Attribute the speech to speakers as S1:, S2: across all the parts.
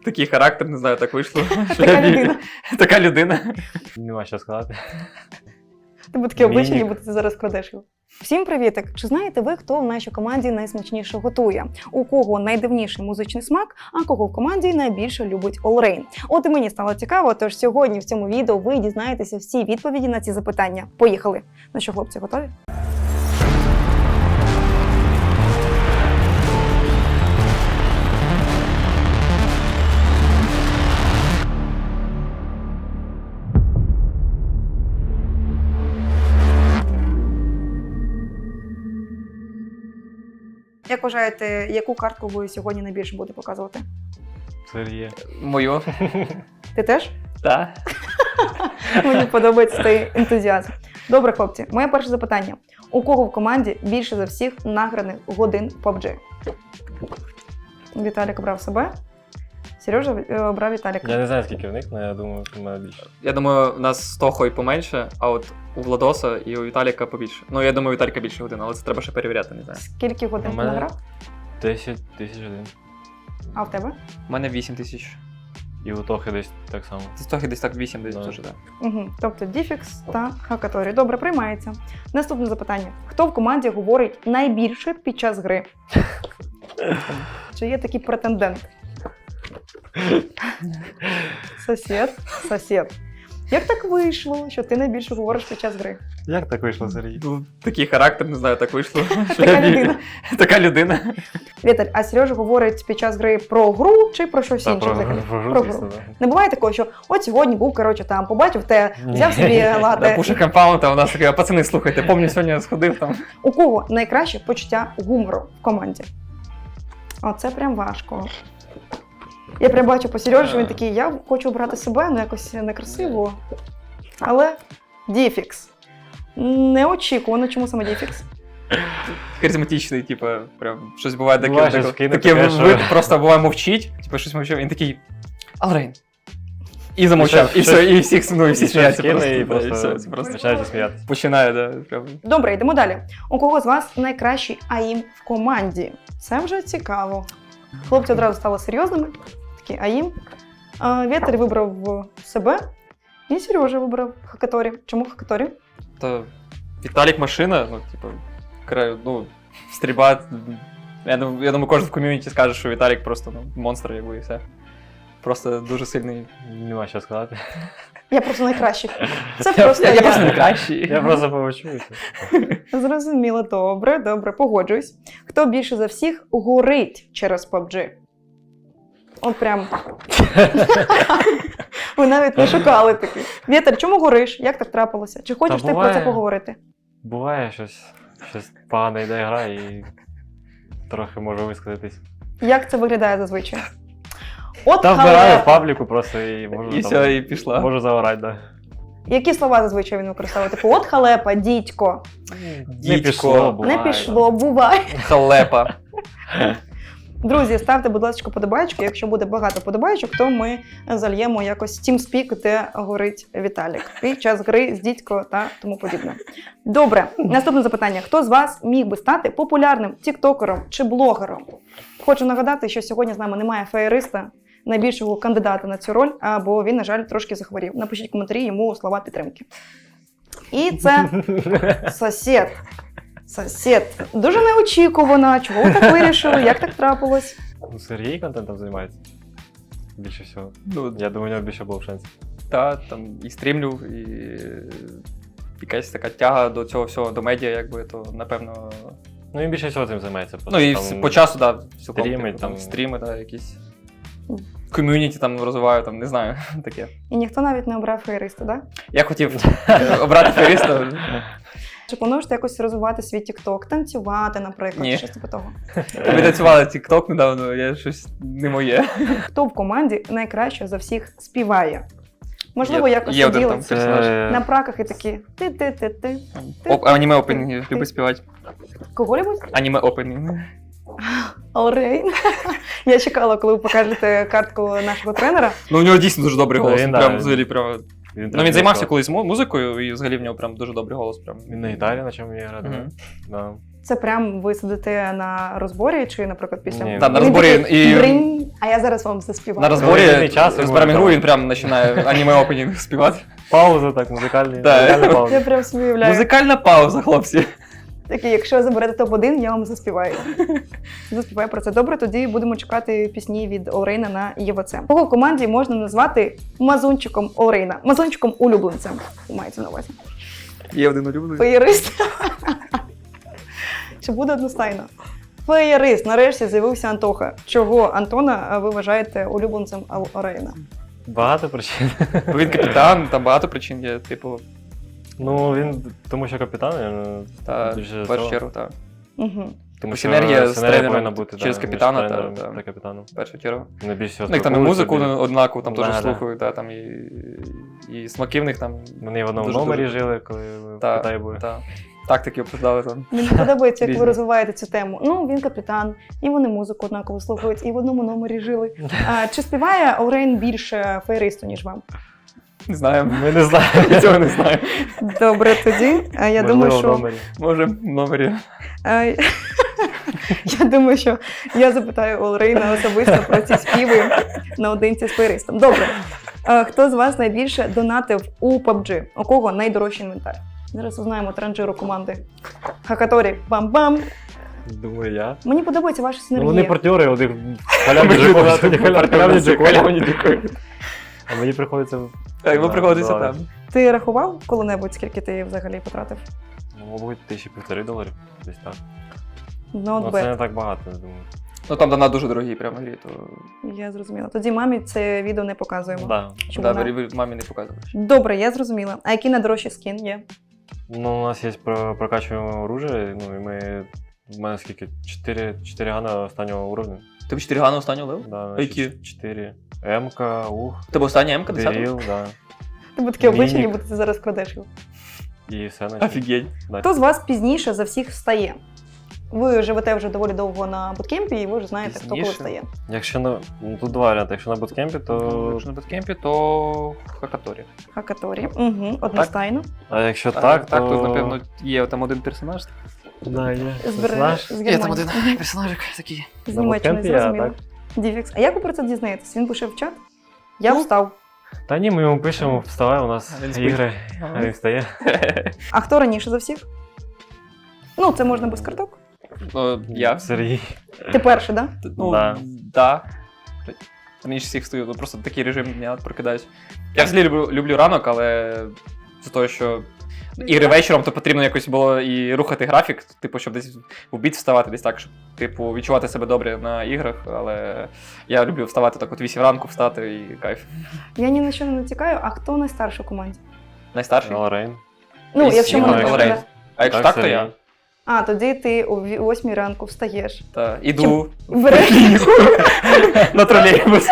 S1: Такий характер, не знаю, так вийшло.
S2: Така людина.
S1: Така людина.
S3: Нема що сказати.
S2: Тебе таке обличчя,
S3: Мінік.
S2: ніби ти зараз крадеш його. Всім привітик! Чи знаєте ви, хто в нашій команді найсмачніше готує? У кого найдивніший музичний смак, а кого в команді найбільше любить Олрейн? От і мені стало цікаво, тож сьогодні в цьому відео ви дізнаєтеся всі відповіді на ці запитання. Поїхали! Ну що, хлопці, готові? Як вважаєте, яку картку ви сьогодні найбільше будете показувати?
S3: Сергія.
S1: Мою.
S2: Ти теж?
S1: Так.
S2: Мені подобається цей ентузіазм. Добре, хлопці, моє перше запитання. У кого в команді більше за всіх награних годин в PUBG? Віталік обрав себе. Сережа обрав Віталіка.
S3: Я не знаю, скільки в них, але я думаю, що в мене більше.
S1: Я думаю, у нас з Тохою поменше, а от у Владоса і у Віталіка побільше. Ну, я думаю, у Віталіка більше годин, але це треба ще перевіряти, не знаю.
S2: Скільки годин
S3: У
S2: ти
S3: мене-
S2: награв?
S3: 10 тисяч годин.
S2: А в тебе?
S1: У мене 8 тисяч.
S3: І у Тохи десь так само.
S1: З Тохи десь так 8 десь
S3: Да.
S1: теж, так.
S2: Угу. Тобто Діфікс та Хакаторі. Добре, приймається. Наступне запитання. Хто в команді говорить найбільше під час гри? Чи є такий претендент? Сосед. Як так вийшло, що ти найбільше говориш під час гри?
S3: Як так вийшло, Сергій?
S1: Ну, такий характер, не знаю, так вийшло.
S2: Така людина.
S1: Така людина.
S2: Віталь, а Сережа говорить під час гри про гру чи про щось
S3: Та,
S2: інше взагалі?
S3: про
S2: Про
S3: гру,
S2: гру.
S3: звісно, да.
S2: Не буває такого, що от сьогодні був, коротше, там, побачив те, взяв собі лате.
S1: Пуша компаунд, а у нас таке, пацани, слухайте, помню, сьогодні я сходив там.
S2: У кого найкраще почуття гумору в команді? Оце прям важко. Я прям бачу по Сережі, що він такий, я хочу обрати себе, ну якось некрасиво. Але Діфікс. Неочікувано, чому саме Діфікс?
S1: Харизматичний, типу, прям щось буває таке.
S3: Буває, щось кине
S1: Таке
S3: таке, що-
S1: вид просто буває мовчить, типу щось мовчав, він такий Алрейн. І замовчав, і все, і всіх, ну, і всі
S3: І
S1: сміються
S3: щось
S1: просто.
S3: кине, і
S1: да,
S3: просто
S1: все, це просто
S3: починають сміятися.
S1: починає, да, прям.
S2: Добре, йдемо далі. У кого з вас найкращий АІМ в команді? Це вже цікаво. Хлопці одразу стали серйозними. Такий АІМ. Вітер вибрав себе, і Сережа вибрав Хакаторі. Чому Хакаторі?
S1: То Віталік машина, ну, типу, ну, стрільба. Я думаю, кожен в ком'юніті скаже, що Віталік просто ну, монстр, якби, і все. Просто дуже сильний.
S3: Нема що сказати.
S2: Я просто найкращий. Це просто
S1: Я просто найкращий.
S3: Я просто помовчуюся.
S2: Зрозуміло, добре, погоджуюсь. Хто більше за всіх горить через PUBG? От прям. Ви навіть не шукали такі. Вітер, чому гориш? Як так трапилося? Чи хочеш
S3: Та
S2: ти про це
S3: буває.
S2: поговорити?
S3: Буває щось погано йде гра і трохи можу висказатись.
S2: Як це виглядає зазвичай? От
S3: Та вбираю в
S2: халепа.
S3: пабліку просто і можу
S1: І все, і пішла.
S3: можу заорати, да.
S2: Які слова зазвичай він використовує? Типу, от халепа, дідько.
S3: Не пішло, буває.
S2: Не пішло, буває.
S1: Халепа.
S2: Друзі, ставте, будь ласка, подобайки. Якщо буде багато подобайок, то ми зальємо якось TeamSpeak, де горить Віталік. Під час гри з дідько та тому подібне. Добре, наступне запитання. Хто з вас міг би стати популярним тіктокером чи блогером? Хочу нагадати, що сьогодні з нами немає феєриста, найбільшого кандидата на цю роль, бо він, на жаль, трошки захворів. Напишіть в коментарі йому слова підтримки. І це Сосед. Дуже неочікувано. Чого ви так вирішили? Як так трапилось?
S3: Ну, Сергій контентом займається. Більше всього.
S1: Ну,
S3: Я думаю, у нього більше було шансів.
S1: та, там і стрімлю, і якась така тяга до цього всього, до медіа, якби, то, напевно.
S3: Ну, він більше всього цим займається.
S1: Ну і
S3: Там
S1: по часу, так, да, цілком,
S3: стріми,
S1: типу, там
S3: там.
S1: стріми, да, якісь. Ком'юніті там розвиваю, там, не знаю, таке.
S2: І ніхто навіть не обрав феєриста, так?
S1: Я хотів обрати феєриста.
S2: Чи плануєш ти якось розвивати свій тікток, танцювати, наприклад,
S1: Ні.
S2: щось типу того?
S1: Ми танцювали TikTok недавно, я щось не моє.
S2: Хто в команді найкраще за всіх співає? Можливо, якось
S1: є один
S2: сиділи
S1: там персонаж.
S2: на праках і такі ти.
S1: Аніме опенінги любить співати.
S2: Кого-небудь?
S1: Аніме опенінги.
S2: Олрейн. Я чекала, коли ви покажете картку нашого тренера.
S1: Ну, у нього дійсно дуже добрий голос.
S3: Він,
S1: Він
S3: да,
S1: прям
S3: він-
S1: взагалі прям. Ну він займався колись музикою, і взагалі в нього прям дуже добрий голос. Прям.
S3: Він на гітарі на чому вміє грати.
S1: Мгм.
S3: Да.
S2: Це прям ви сидите на розборі, чи, наприклад, після.
S3: Ні.
S1: Та, на
S2: Він
S1: розборі
S2: такий,
S1: і-
S2: «Бринь», а я зараз вам заспіваю.
S1: На
S3: Коли
S1: розборі
S3: вільний час, він
S1: зберемо
S3: може
S1: гру,
S3: там.
S1: він прям починає аніме-опенінг співати.
S3: Паузи так, музикальні.
S1: Да.
S3: музикальні
S2: Я
S3: паузи.
S2: прям собі уявляю.
S1: Музикальна пауза, хлопці.
S2: Такий, якщо заберете топ-1, я вам заспіваю. Заспіваю про це. Добре, тоді будемо чекати пісні від Олрейна на ЄВЦ. Кого в команді можна назвати мазунчиком Олрейна? Мазунчиком улюбленцем. Мається на увазі.
S1: Є один улюблений.
S2: Феєрист. Чи буде одностайно? Феєрист. Нарешті з'явився Антоха. Чого Антона ви вважаєте улюбленцем Олрейна?
S3: Багато причин.
S1: Він капітан, там багато причин є, типу,
S3: Ну, він, тому що капітан,
S1: та
S3: більше
S1: в першу
S3: цього.
S1: чергу, та.
S2: Угу.
S3: Тому
S1: синергія з тренером
S3: повинна бути
S1: через
S3: да, між
S1: капітана,
S3: тренером
S1: та.
S3: та капітаном.
S1: В першу чергу.
S3: Не більше всього
S1: Ну, їх там і
S3: спілкуються,
S1: музику
S3: більше-
S1: однакову там теж
S3: Да, да.
S1: слухають, та, там і смаки в них там.
S3: Вони в одному
S1: Дуже-
S3: номері
S1: дуже-
S3: жили, коли ми в
S1: Та,
S3: Китаї були.
S1: та. Тактики обсуждали там.
S2: Мені подобається, як ви
S1: Різні.
S2: розвиваєте цю тему. Ну, він капітан, і вони музику однаково слухають, і в одному номері жили. Чи співає Олрейн більше феєристу, ніж вам?
S1: Не знаю.
S3: Ми не знаємо.
S1: Я цього не знаю.
S2: Добре, тоді. Я
S3: Можливо,
S2: думаю,
S3: в
S2: що
S3: номері.
S1: Може, в номері.
S2: Е, я думаю, що я запитаю Олрейна особисто про ці співи наодинці з феєристом. Добре. Хто з вас найбільше донатив у PUBG? У кого найдорожчий інвентар? Зараз узнаємо транжиру команди. Хакаторі. Бам-бам!
S3: Думаю, я.
S2: Мені подобається ваша
S3: Ну,
S2: синергія.
S3: вони партнери, у них халявні джекоти, халявні джекоти. А мені приходиться...
S1: Так, ви
S3: Да,
S1: приходиться
S3: да.
S1: там.
S2: Ти рахував коли-небудь, скільки ти взагалі потратив?
S3: Ну, мабуть, $1500, десь так.
S2: Ну,
S3: Ну,
S2: от
S3: це не
S2: бет.
S3: так багато, я думаю.
S1: Ну там донат дуже дорогі прямо грі, то.
S2: Я зрозуміла. Тоді мамі це відео не показуємо.
S3: Да.
S2: Щоб
S1: Да,
S2: вона-
S1: ви мамі не показуєш.
S2: Добре, я зрозуміла. А який найдорожчий скін є?
S3: Ну, у нас є прокачуємо оружие, ну, і ми... У мене скільки? 4 гана останнього уровня.
S1: Тобі 4 гана останнього лев?
S3: Да,
S1: А які?
S3: 4. М-ка, ух,
S1: Тебе остання М-ка 10?
S3: Беріл, да.
S2: Ти б таке обличчя,
S3: Мінік.
S2: ніби ти зараз крадеш його.
S3: І все наче.
S1: Офігеть.
S3: Да.
S2: Хто з вас пізніше за всіх встає? Ви живете вже доволі довго на буткемпі, і ви вже знаєте, хто коли
S1: Пізніше?
S2: встає.
S3: Якщо на... Ну, тут два варіанти. Якщо на буткемпі, то...
S1: Якщо на буткемпі, то Хакаторі.
S2: Хакаторі. Угу, одностайно.
S3: А якщо так, то...
S1: тут, напевно, є там один персонаж.
S3: Да, є.
S2: З
S3: Персонаж.
S2: Германії. Мгм.
S1: персонажик такий.
S2: З
S3: На
S2: Німеччини,
S3: буткемпі я,
S2: зрозуміло.
S3: так?
S2: Діфікс. А як ви про це дізнаєтесь? Він пише в чат? Я
S3: Ну,
S2: встав.
S3: Та ні, ми йому пишемо, вставай, у нас
S1: А він спить.
S3: ігри, а він встає.
S2: А хто раніше за всіх? Ну, це можна без карток.
S1: Ну, я.
S3: Сергій.
S2: Ти перший, так?
S1: Ну,
S3: Да.
S1: да. Раніше всіх стою, ну, просто такий режим дня прокидаюсь. Я взагалі люблю ранок, але з того, що ігри вечором, то потрібно якось було і рухати графік, типу, щоб десь в обід вставати, десь так, щоб типу, відчувати себе добре на іграх, але я люблю вставати так от 8 ранку, встати і кайф.
S2: Я ні на що не натякаю, а хто найстарший у команді?
S1: Найстарший?
S3: Лорейн.
S2: Ну,
S1: І
S2: якщо
S1: Сіма,
S2: мене
S3: і
S2: так.
S1: Олрейн.
S2: да.
S1: А якщо так, то я.
S2: А, тоді ти о 8 ранку встаєш.
S1: Та, іду
S2: Береш
S1: на тролейбус.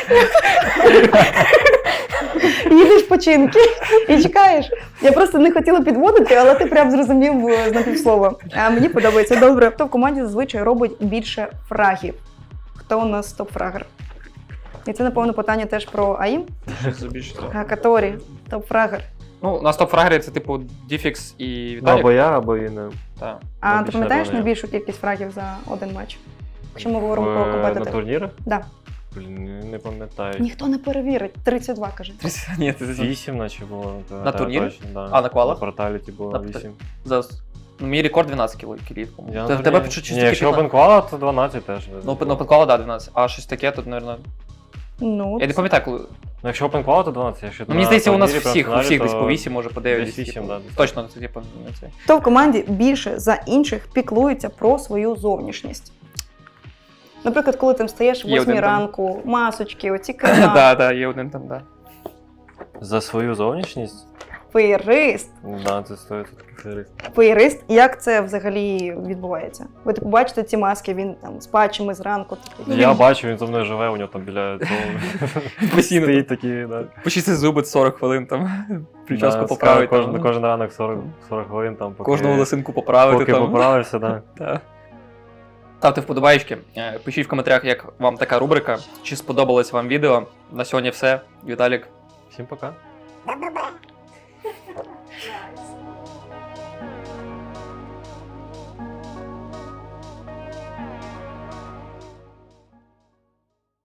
S2: їдеш починки і чекаєш. Я просто не хотіла підводити, але ти прям зрозумів з напівслова. А мені подобається. Добре. Хто в команді зазвичай робить більше фрагів? Хто у нас топ-фрагер? І це, напевно, питання теж про АІМ. Каторі, топ-фрагер.
S1: Ну, у нас топ-фрагери це типу Діфікс і
S3: Ну,
S1: Віталік.
S3: або я, або він.
S1: Та.
S2: А ти
S3: Найбільше,
S2: пам'ятаєш
S3: напевно, я.
S2: найбільшу кількість фрагів за один матч? Якщо ми говоримо про
S3: На
S2: компетитив.
S3: турнірах?
S2: Да.
S3: Блін, не пам'ятаю.
S2: Ніхто не перевірить. 32, каже.
S1: Ні, це
S3: 8 наче було. не пам'ятаю
S1: турнірі?
S3: точно, да.
S1: А, на квалах?
S3: На порталіті було
S1: На
S3: 8.
S1: Зараз. Ну, мій рекорд 12 кілів.
S3: Я
S1: В тебе чуть
S3: Ні, якщо опенквала, то 12 теж.
S1: Ну, опенквала, да, 12. А щось таке тут, мабуть.
S2: Ну,
S1: Я не пам'ятаю, коли.
S3: Ну, якщо опенквала, то 12. Якщо
S1: Ну, мені здається, у нас
S3: турнірі
S1: всіх, у
S3: персоналі,
S1: всіх десь
S3: то
S1: по 8, може по 9.
S3: десь 8, да, десь
S1: Точно, це типу не це.
S2: хто в команді більше за інших піклується про свою зовнішність? Наприклад, коли ти встаєш в
S1: Є
S2: 8
S1: один там.
S2: ранку, масочки, оці крема,
S1: Да, да, є один там, да.
S3: За свою зовнішність?
S2: феєрист.
S3: Да, це стоїть такий феєрист.
S2: Феєрист, як це взагалі відбувається? Ви типу бачите ці маски, він там з патчами зранку. такий.
S3: Я бачу, він зо мною живе, у нього там біля цього
S1: Постійно.
S3: стоїть такі, да.
S1: Почистити зуби 40 хвилин там. Прическу
S3: Да,
S1: поправити.
S3: Кожен ранок 40 хвилин там, поки,
S1: Кожну волосинку поправити.
S3: поки
S1: там.
S3: поправишся, да.
S1: Да. Ставте вподобайки, пишіть в коментарях, як вам така рубрика, чи сподобалось вам відео. На сьогодні все. Віталік,
S3: Всім пока.